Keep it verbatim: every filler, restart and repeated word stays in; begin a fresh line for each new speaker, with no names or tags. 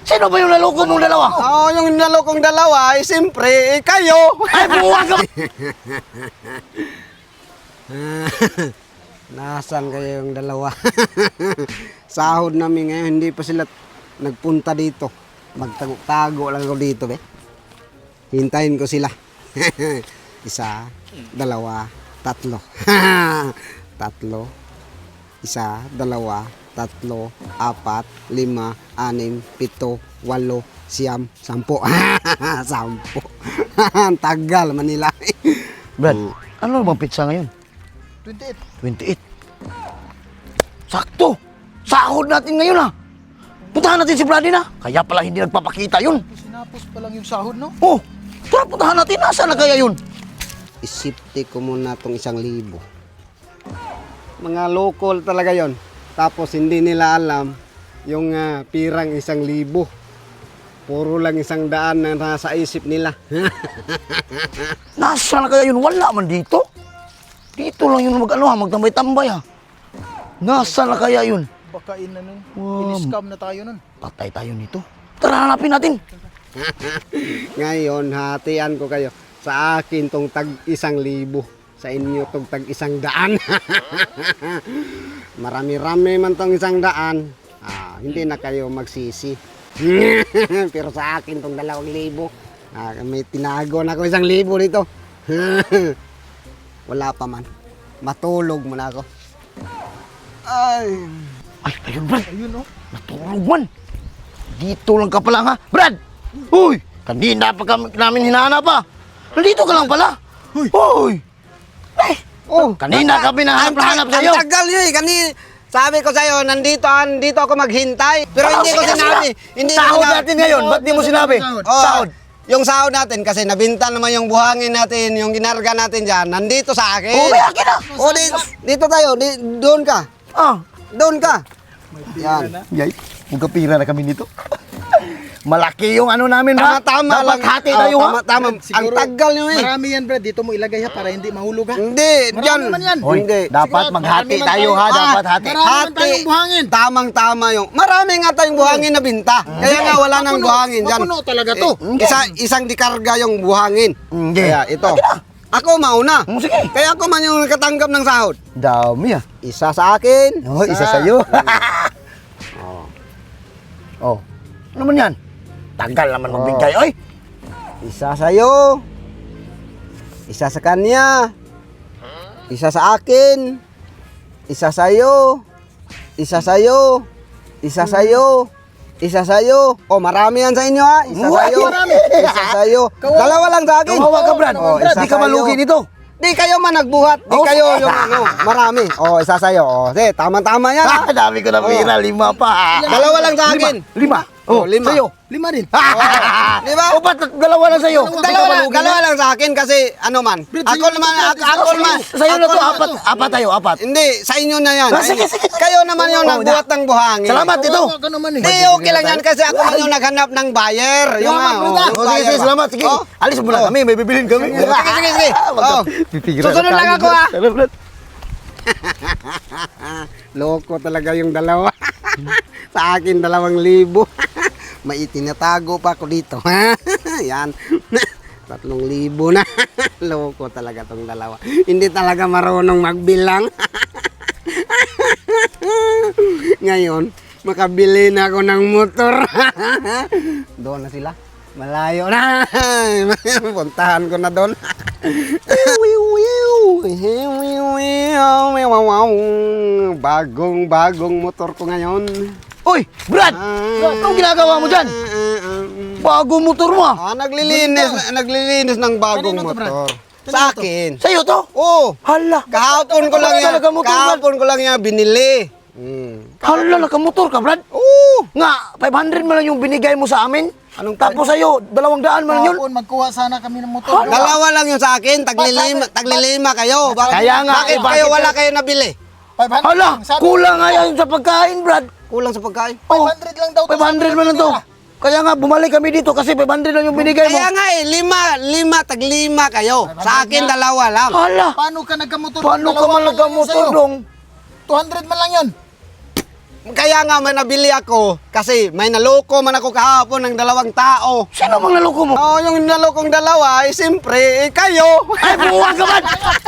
Sino ba yung naloko mong dalawa?
Oo, oh, yung nalokong dalawa, eh, siyempre, eh, kayo.
Ay, buwag ka!
Nasaan kayo yung dalawa? Sahod namin ngayon, hindi pa sila nagpunta dito. Magtago-tago lang ako dito, be. Hintayin ko sila. Isa, dalawa, tatlo. Tatlo. Isa, dalawa, tatlo, apat, lima, anim, pito, walo, siyam, sampo. Sampo. Ang tagal, Manila.
Brad, ano bang pizza ngayon?
twenty-eight.
twenty-eight. Sakto! Sahod natin ngayon ah! Puntahan natin si Brady na. Kaya pala hindi nagpapakita yun.
Sinapos pa lang yung sahod, no?
Oh, tara puntahan natin. Nasaan na kaya yun?
Isipte ko muna itong isang libo. Mga local talaga yon. Tapos hindi nila alam yung uh, pirang isang libo. Puro lang isang daan na nasa isip nila.
Nasaan na kaya yun? Wala man dito. Dito lang yun mag-ano ha, magtambay-tambay ha. Nasaan na kaya yun?
Baka in, ano,
Wow.
in-scam na tayo nun.
Patay tayo nito. Tara, hanapin natin.
Ngayon, hatian ko kayo. Sa akin tong tag isang libo. Sa inyo tong tag isang daan. Marami-rami man tong isang daan. Ah, hindi na kayo magsisi. Pero sa akin tong dalawang libo. Ah, may tinago na ako isang libo dito. Wala pa man. Matulog muna ako. Ay.
Ay, ayun Brad.
Ayun, no?
Natulog man. Dito lang ka pala ha. Brad! Uy! Kanina pa kami, namin hinahanap pa. Nandito ka lang pala. Uy! Uy! Eh!
Oh,
Kanina kami nahanap-hanap
ang
sa'yo.
Ang tagal yun eh. Kani, sabi ko sa'yo, nandito, nandito ako maghintay. Pero hindi ko sinabi. Hindi ko
Sahod
sinabi.
natin ngayon. Ba't di mo sinabi?
Oh,
Sahod.
Yung sahod natin, kasi nabinta naman yung buhangin natin, yung ginarga natin dyan, nandito sa akin.
Oh, may akin na.
Oh, di, dito tayo, di, doon ka.
Ah.
Doon ka. Yan.
Yay. Magkapira na kami nito. Malaki yung ano namin ha.
Tama-tama
Dapat
lang.
hati
Oh,
tayo ha.
Tama-tama. Ang
Siguro,
tagal nyo eh.
Marami yan, Brad. Dito mo ilagay ha, para hindi mahulog ha.
Hindi,
Marami
dyan.
man yan.
Hoy,
Hindi.
dapat
Sige,
maghati
marami man
tayo
tayo.
ha.
Ah,
Dapat hati.
marami man tayong buhangin.
Tamang-tama yung. Marami nga tayong buhangin na binta. Kaya nga wala nang
Mapuno.
buhangin dyan.
Mapuno talaga to.
Eh, isa, isang dikarga yung buhangin.
Hindi.
Kaya ito. Ako mauna.
Mm, sige.
Kaya ako man yung nakatanggap ng sahod.
Dami ah.
Isa sa akin.
Oh, isa sa'yo. Oh. Ano man yan? Tagal naman
Oh.
magbigay. Oy!
Isa sa'yo. Isa sa kanya. Isa sa akin. Isa sa'yo. Isa sa'yo. Isa sa'yo. Isa sa'yo. Oh, marami yan sa inyo ha. Isa
Uy,
sa'yo.
marami.
Isa sa'yo.
Kawawa.
Dalawa lang sa akin.
Kawawa ka, Brad.
Oh,
Brad,
isa
di ka
sa'yo.
malugi dito.
Di kayo man nagbuhat. Di
Oh,
kayo
sige.
yung ano. Marami. Oh, isa sa'yo. Oh, sige, tama-tama yan ha.
Ah, dami ko na pira. Lima pa.
Dalawa lang sa akin.
Lima.
Oh, lima.
Sa'yo.
Lima din.
Di ba?
O ba't dalawa lang sa'yo? Di ka
Dalawa lang,
malugi
dalawa
na?
lang sa akin kasi ano man.
Brad,
Ako
sa'yo
naman,
na to,
ako,
Brad.
ako
Sa'yo.
naman.
Sa'yo na
ako
to.
naman
Apat. Apat tayo. Apat.
Hindi, sa inyo na yan.
Ah, sige, sige.
Kayo naman yung
Oh,
nagbuhat ng buhangin.
Salamat ito.
Kawawa ka naman eh.
Hindi, okay lang yan kasi ako man yung naghanap ng buyer. Yung
Salamat,
nga,
Brad.
oh, yung
Oh, sige,
buyer
sige,
ba?
salamat. Sige.
Oh,
Alis muna
Oh.
kami. May bibilin kami.
Sige, sige, sige. Oh.
Pipigilan
Susunod
na
lang
tayo,
ako,
Brad.
ah.
Tara, Brad.
Loko talaga yung dalawa. Sa akin, dalawang libo. May itinatago pa ako dito. Yan. Tatlong libo na. Loko talaga tong dalawa. Hindi talaga marunong magbilang. Ngayon, makabili na ako ng motor. Doon na sila. Malayo na. Puntahan ko na doon. Bagong bagong motor ko ngayon.
Uy, Brad! Anong ginagawa mo dyan? Bago motor mo ah.
Ah, naglilinis, naglilinis ng bagong
Kanino to, Brad?
motor.
Kanino
Sa
to?
akin.
Sa'yo to?
Oh,
Hala.
kahapon ko lang yan.
Talaga motor, Brad.
Kahapon ko lang yan binili. Hmm.
Hala, nakamotor ka, Brad?
Oo.
Nga, five hundred man lang yung binigay mo sa amin.
Anong
Tapos sa'yo, dalawang daan man lang yun.
Kahapon, magkuha sana kami ng motor.
Dalawa lang yung sa akin, taglilima, taglilima kayo. Bakit,
Kaya nga,
bakit
eh, bakit
kayo
ka-
wala kayo nabili?
five hundred
Hala,
lang. Sabi,
kulang nga yan sa pagkain, Brad.
Kulang sa pagkain.
Oh,
five hundred lang daw. to,
five hundred
sabi
man lang
ng
to.
tira.
Kaya nga, bumalik kami dito kasi five hundred lang yung binigay mo.
Kaya nga eh, lima, lima, taglima kayo. Sa akin, dalawa lang.
Hala,
Paano ka nagkamotor?
paano ka
Dalawa
man
lang yun
nagkamotor
sa'yo.
dong?
two hundred man lang yun.
kaya nga may nabili ako. Kasi may naloko man ako kahapon ng dalawang tao.
Sino mang naloko mo?
Oo, yung nalokong dalawa, eh, siyempre, eh, kayo.
Ay, buwag ka man!